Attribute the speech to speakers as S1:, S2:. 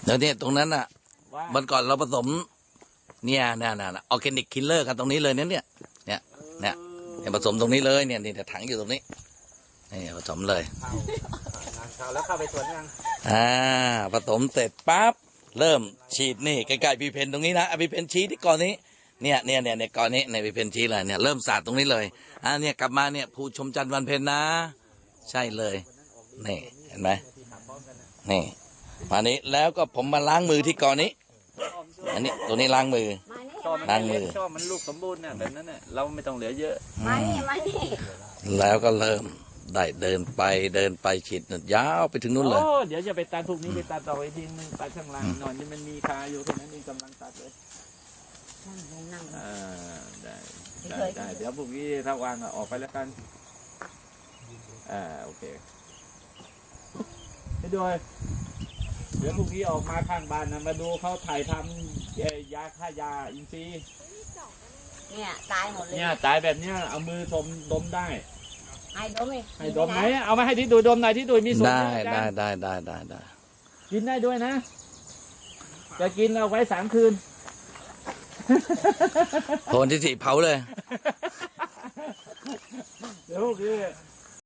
S1: เดี๋ยวนี้ตรงนั้นอ่ะ
S2: ว่า
S1: วันก่อนเราผสมเนี่ยออร์แกนิกคิลเลอร์กันตรงนี้เลยเนี่ยผสมตรงนี้เลยเนี่ยถังอยู่ตรงนี้นี่ผสมเลย
S2: เข้าแล้วเข้าไปสวนยัง
S1: ผสมเสร็จปั๊บเริ่มฉีดนี่ใกล้ๆพีเพนตรงนี้นะพีเพนชี้ที่ก่อนนี้เนี่ยก่อนนี้ในพีเพนชี้เลยเนี่ยเริ่มสาดตรงนี้เลยเนี่ยกลับมาเนี่ยผู้ชมจันทร์วันเพ็ญนะใช่เลยนี่เห็นไหมนี่มานี้แล้วก็ผมมาล้างมือที่ก่อนนี้อันนี้ตรงนี้ล้างมือ ล้างมือ
S2: ชอบมันลูกสมบูรณ์น่ะแบบนั้นน่ะเราไม่ต้องเหลือเยอะ
S3: มานี่
S1: แล้วก็เริ่มได้เดินไปฉีดยาวไปถึงนู้นเลย
S2: โอ้เดี๋ยวจะไปตัดพวกนี้ไปตัดต่ออีกทีนึงตัดข้างล่างหน่อยนี่มันมีคาอยู่แค่นั้นเองกำลังตัดเลยได้เดี๋ยวพวกนี้ถ้าวางออกไปแล้วกันโอเคให้ด้วยเดี๋ยวพวกนี้ออกมาข้างบ้านนะมาดูเขาถ่ายทำยาฆ่ายาอินทรีย์
S3: เนี่ยตายหมดเลย
S2: เนี่ยตายแบบเนี้ยเอามือดมได้
S3: ให้ดมเลย
S2: ให้ดมไหนเอามาให้ที่ดูดมหน่อยที่ดูมีส่วน
S1: ได้
S2: เยอะจัง
S1: ได้
S2: กินได้ด้วยนะจะกินเอาไว้3 คืน
S1: โทนที่สี่เผาเลย
S2: เดี๋ยวพวกนี้